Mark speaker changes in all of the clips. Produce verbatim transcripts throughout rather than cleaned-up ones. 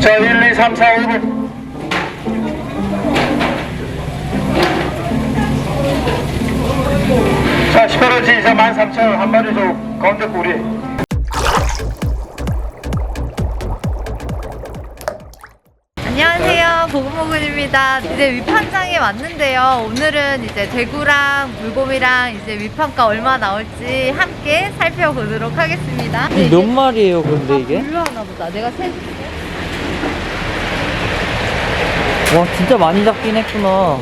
Speaker 1: 자, 일, 이, 삼, 사, 오 분. 자, 십팔 호지 이상 만 삼천 원 한 마리 줘. 가운데 꼬리.
Speaker 2: 안녕하세요, 보금보금입니다. 이제 위판장에 왔는데요. 오늘은 이제 대구랑 물곰이랑 이제 위판가 얼마 나올지 함께 살펴보도록 하겠습니다.
Speaker 3: 이게 몇 마리예요, 근데 이게?
Speaker 2: 분류하나 보다. 내가 세.
Speaker 3: 와, 진짜 많이 잡긴 했구나.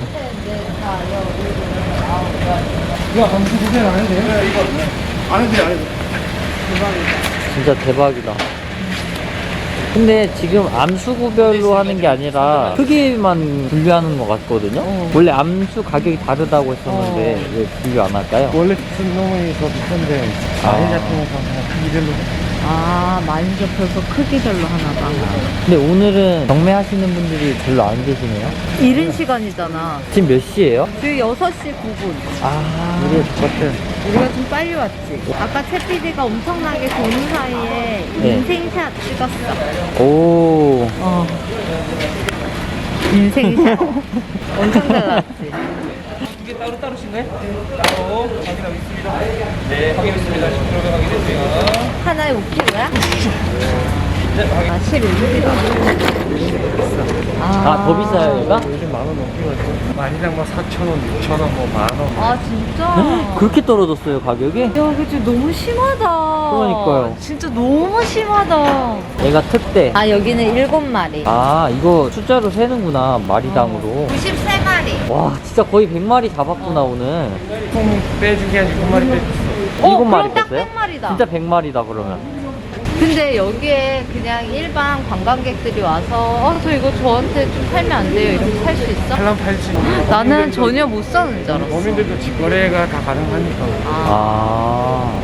Speaker 1: 이거 감수 구별 안 해도 돼요? 이거 안 해도 돼요, 안 해도 돼요.
Speaker 3: 진짜 대박이다. 근데 지금 암수구별로 하는 게 아니라 크기만 분류하는 것 같거든요?
Speaker 2: 어.
Speaker 3: 원래 암수 가격이 다르다고 했었는데
Speaker 2: 어.
Speaker 3: 왜 분류 안 할까요?
Speaker 1: 원래 쓴 놈이 더 비싼데
Speaker 3: 아.
Speaker 1: 많이 잡히면서 그냥 크기별로.
Speaker 2: 아, 많이 접혀서 크기별로 하나 봐.
Speaker 3: 근데 오늘은 경매하시는 분들이 별로 안 계시네요?
Speaker 2: 이른 시간이잖아.
Speaker 3: 지금 몇 시예요?
Speaker 2: 지금 여섯 시 구 분.
Speaker 3: 아,
Speaker 1: 우리가 똑같아.
Speaker 2: 우리가 좀 빨리 왔지. 아까 채 피디가 엄청나게 도는 사이에
Speaker 3: 네.
Speaker 2: 인생샷 찍었어.
Speaker 3: 오.
Speaker 2: 어. 인생샷. 엄청 잘 나왔지.
Speaker 4: 이게 따로 따로신가요? 따로 확인하고 있습니다. 네, 확인했습니다. 십 킬로그램 확인했고요.
Speaker 2: 하나에 오 킬로야?
Speaker 4: 네, 확인.
Speaker 2: 아, 십일 킬로그램.
Speaker 3: 아, 더 비싸요, 얘가?
Speaker 1: 요즘 만 원 넘게 가지고. 많이당 뭐 사천 원, 육천 원, 뭐 만 원.
Speaker 2: 아, 진짜?
Speaker 3: 그렇게 떨어졌어요, 가격이?
Speaker 2: 야, 그치. 너무 심하다.
Speaker 3: 그러니까요.
Speaker 2: 진짜 너무 심하다.
Speaker 3: 얘가 특대.
Speaker 2: 아, 여기는 일곱 마리.
Speaker 3: 아, 이거 숫자로 세는구나, 마리당으로.
Speaker 2: 구십삼 마리.
Speaker 3: 와, 진짜 거의 백 마리 잡았구나, 오늘.
Speaker 1: 통 빼준 게 아니고 한 마리 빼줬어.
Speaker 2: 어,
Speaker 3: 일곱 마리
Speaker 2: 그럼 딱
Speaker 3: 뺐어요?
Speaker 2: 백 마리다.
Speaker 3: 진짜 백 마리다, 그러면.
Speaker 2: 근데 여기에 그냥 일반 관광객들이 와서 어, 저 이거 저한테 좀 팔면 안 돼요? 이렇게 살 수 있어?
Speaker 1: 팔랑 팔지.
Speaker 2: 나는 전혀 못 사는 줄 알았어.
Speaker 1: 범인들도 직거래가 다 가능하니까.
Speaker 2: 아,
Speaker 3: 아.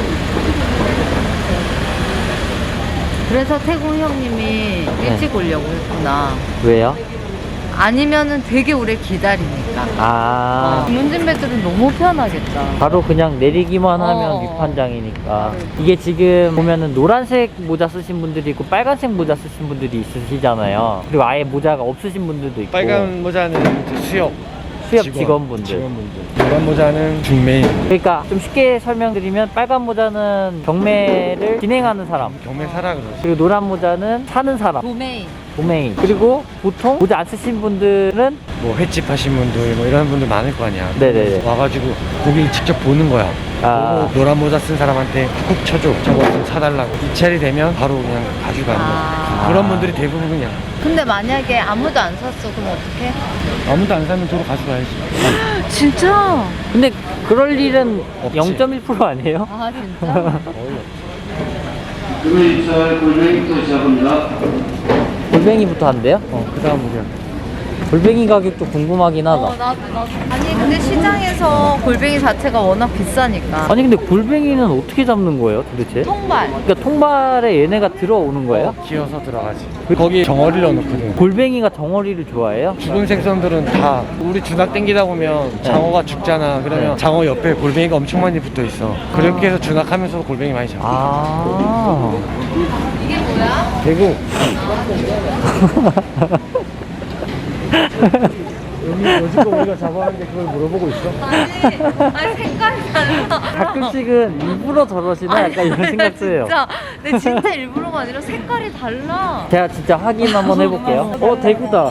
Speaker 2: 그래서 태국 형님이 일찍 오려고 했구나.
Speaker 3: 왜요?
Speaker 2: 아니면은 되게 오래 기다리니까.
Speaker 3: 아.
Speaker 2: 문진배들은 너무 편하겠다.
Speaker 3: 바로 그냥 내리기만 하면
Speaker 2: 어.
Speaker 3: 위판장이니까. 이게 지금 보면은 노란색 모자 쓰신 분들이 있고 빨간색 모자 쓰신 분들이 있으시잖아요. 그리고 아예 모자가 없으신 분들도 있고.
Speaker 1: 빨간 모자는 이제 수협.
Speaker 3: 수협
Speaker 1: 직원,
Speaker 3: 직원분들.
Speaker 1: 직원분들. 노란 모자는 중매인.
Speaker 3: 그러니까 좀 쉽게 설명드리면 빨간 모자는 경매를 진행하는 사람.
Speaker 1: 경매사라 그러지.
Speaker 3: 그리고 노란 모자는 사는 사람.
Speaker 2: 도메인.
Speaker 3: 도메인. 그리고 보통 모자 안 쓰신 분들은
Speaker 1: 뭐 횟집 하신 분들 뭐 이런 분들 많을 거 아니야.
Speaker 3: 네네네.
Speaker 1: 와가지고 고기를 직접 보는 거야.
Speaker 3: 아.
Speaker 1: 보고 노란 모자 쓴 사람한테 꼭 쳐줘. 저거 좀 사달라고. 입찰이 되면 바로 그냥 가져가는 거야.
Speaker 2: 아.
Speaker 1: 그런 분들이 대부분 그냥
Speaker 2: 근데 만약에 아무도 안 샀어, 그럼 어떡해?
Speaker 1: 아무도 안 사면 도로 가져가야지.
Speaker 2: 진짜?
Speaker 3: 근데 그럴 일은
Speaker 1: 없지.
Speaker 3: 영 점 일 퍼센트 아니에요?
Speaker 2: 아, 진짜?
Speaker 5: 그리고 입찰 골뱅이부터 시작합니다.
Speaker 3: 골뱅이부터 한대요?
Speaker 1: 어, 그 다음 우리야.
Speaker 3: 골뱅이 가격도 궁금하긴 하다.
Speaker 2: 어, 나도, 나도. 아니, 근데 시장에서 골뱅이 자체가 워낙 비싸니까.
Speaker 3: 아니 근데 골뱅이는 어떻게 잡는 거예요 도대체?
Speaker 2: 통발.
Speaker 3: 그러니까 통발에 얘네가 들어오는 거예요?
Speaker 1: 기어서 들어가지. 거기 정어리를 넣어놓거든.
Speaker 3: 골뱅이가 덩어리를 좋아해요?
Speaker 1: 죽은 생선들은 다 우리 주낙 땡기다 보면 장어가 죽잖아. 그러면
Speaker 3: 네.
Speaker 1: 장어 옆에 골뱅이가 엄청 많이 붙어 있어. 그렇게 해서 주낙하면서 골뱅이 많이 잡아.
Speaker 3: 아.
Speaker 2: 이게 뭐야?
Speaker 1: 대구. 여기 여지껏 우리가 잡아왔는데 그걸 물어보고 있어?
Speaker 2: 아니, 아니 색깔이 달라.
Speaker 3: 가끔씩은 일부러 저러시나 약간 이런 생각 들어요.
Speaker 2: 진짜, 근데 진짜 일부러가 아니라 색깔이 달라.
Speaker 3: 제가 진짜 확인 한번 해볼게요. 어 대구다.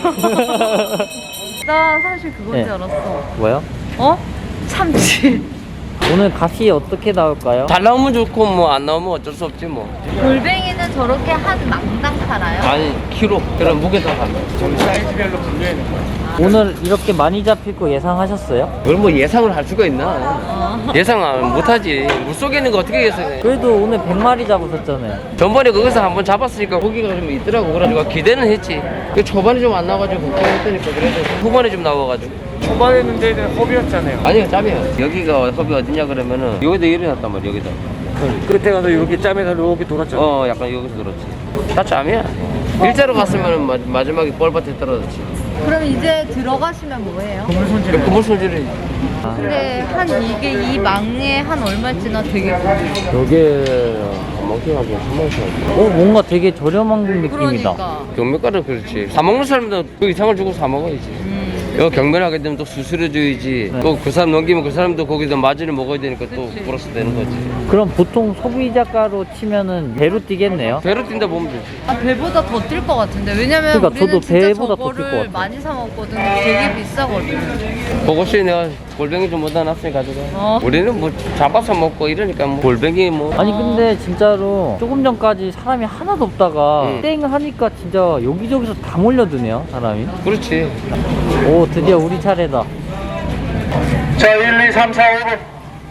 Speaker 2: 나 사실 그건
Speaker 3: 네.
Speaker 2: 줄 알았어.
Speaker 3: 뭐요?
Speaker 2: 어? 참치.
Speaker 3: 오늘 값이 어떻게 나올까요?
Speaker 4: 잘 나오면 좋고 뭐 안 나오면 어쩔 수 없지 뭐.
Speaker 2: 골뱅이는 저렇게 한 망당 팔아요?
Speaker 4: 아니 키로 그런 무게도 안 돼.
Speaker 1: 저는 사이즈별로 분류해놓은 거야.
Speaker 3: 오늘 이렇게 많이 잡힐 거 예상하셨어요?
Speaker 4: 그걸 뭐 예상을 할 수가 있나?
Speaker 2: 어.
Speaker 4: 예상 못하지. 물속에 있는 거 어떻게 예상해?
Speaker 3: 그래도 오늘 백 마리 잡으셨잖아요.
Speaker 4: 전번에 거기서 한번 잡았으니까 고기가 좀 있더라고. 그래가지고 기대는 했지. 그 초반에 좀 안 나와가지고 걱정했더니까 그래도 후반에 좀 나와가지고.
Speaker 1: 초반에는 데는 허비였잖아요.
Speaker 4: 아니요 짬이야. 여기가 섭이 어디냐 그러면은 여기다 일어났단 말이야 여기다.
Speaker 1: 끝에 가서 이렇게 짬에서 이렇게 돌았잖아.
Speaker 4: 어 약간 여기서 그렇지. 다 짬이야. 일자로 갔으면은 마, 마지막에 뻘밭에 떨어졌지.
Speaker 2: 그럼 이제 들어가시면 뭐예요?
Speaker 1: 그물 손질.
Speaker 4: 그물 손질이.
Speaker 2: 근데 한 이게 이 망에 한 얼마지나 되게 궁금해.
Speaker 3: 여기
Speaker 4: 삼만 개 가지고 삼만 원씩 하지.
Speaker 3: 어, 뭔가 되게 저렴한 느낌이다.
Speaker 2: 그러니까.
Speaker 4: 경매가는 그렇지. 사 먹는 사람도 그 이상을 주고 사 먹어야지.
Speaker 2: 음.
Speaker 4: 이거 경매하게 되면 또 수수료줘야지.
Speaker 3: 네.
Speaker 4: 또 그 사람 넘기면 그 사람도 거기다 마진을 먹어야 되니까 또 플러스 되는 거지.
Speaker 3: 그럼 보통 소비자가로 치면은 배로 뛰겠네요.
Speaker 4: 배로 뛴다 보면 되지.
Speaker 2: 아, 배보다 더 뛸 것 같은데. 왜냐면
Speaker 3: 그러니까
Speaker 2: 우리는
Speaker 3: 저도
Speaker 2: 진짜
Speaker 3: 배보다 더뛸것
Speaker 2: 저거를
Speaker 3: 같아요.
Speaker 2: 많이 사 먹거든. 되게 비싸거든.
Speaker 4: 그것이 내가 골뱅이 좀 못다 놨으니 가져가.
Speaker 2: 어.
Speaker 4: 우리는 뭐 잡아서 먹고 이러니까 뭐 골뱅이 뭐.
Speaker 3: 아니 근데 진짜로 조금 전까지 사람이 하나도 없다가
Speaker 4: 응.
Speaker 3: 땡 하니까 진짜 여기저기서 다 몰려드네요 사람이.
Speaker 4: 그렇지.
Speaker 3: 오 드디어 우리 차례다.
Speaker 6: 자, 일, 이, 삼, 사, 오 번.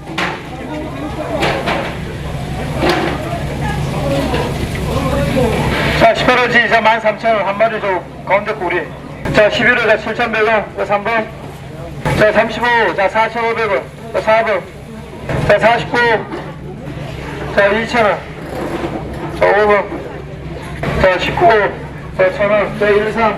Speaker 6: 자, 십팔 호지 자, 만 삼천 원 한 마리 줘. 가운데 꼬리. 자, 십일 호 자, 칠천백 원. 자, 삼 번. 자, 삼십오. 자, 사천오백 원. 자, 사 번. 자, 사십구. 자, 이천 원. 자, 오 번. 자, 십구. 자, 천 원. 자, 일, 삼.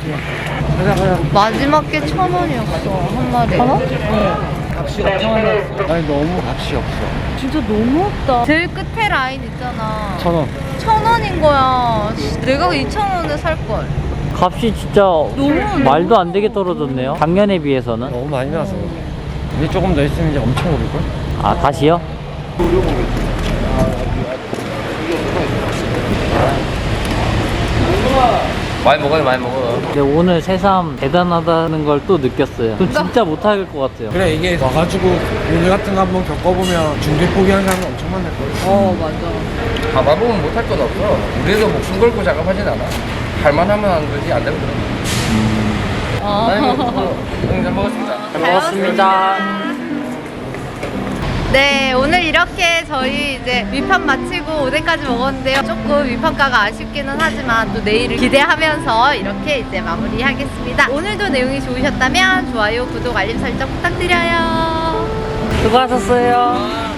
Speaker 2: 마지막 게 천 원이었어. 한 마리. 천 원?
Speaker 6: 자, 십팔 호.
Speaker 1: 아니 너무 값이 없어.
Speaker 2: 진짜 너무 없다. 제일 끝에 라인 있잖아.
Speaker 1: 천 원.
Speaker 2: 천 원인 거야. 씨, 내가 이천 원에 살 걸.
Speaker 3: 값이 진짜 말도 안 되게 떨어졌네요. 작년에 비해서는.
Speaker 1: 너무 많이 나서. 이제 조금 더 있으면 이제 엄청 오를걸?
Speaker 3: 아 다시요?
Speaker 4: 많이 먹어요, 많이 먹어.
Speaker 3: 근데 오늘 새삼 대단하다는 걸 또 느꼈어요. 저 진짜 못할 것 같아요.
Speaker 1: 그래 이게 와가지고 일 같은 거 한번 겪어보면 중개 포기하는 사람 엄청 많을 거야.
Speaker 2: 어, 맞아.
Speaker 4: 가봐보면 못할 건 없어. 우리도 목숨 걸고 작업하진 않아. 할만하면 하는 거지, 안 되면 그런 거지.
Speaker 2: 어.
Speaker 4: 아니, 뭐, 응, 잘 먹었습니다.
Speaker 3: 잘 먹었습니다.
Speaker 2: 네, 오늘 이렇게 저희 이제 위판 마치고 오뎅까지 먹었는데요. 조금 위판가가 아쉽기는 하지만 또 내일을 기대하면서 이렇게 이제 마무리하겠습니다. 오늘도 내용이 좋으셨다면 좋아요, 구독, 알림 설정 부탁드려요.
Speaker 3: 수고하셨어요.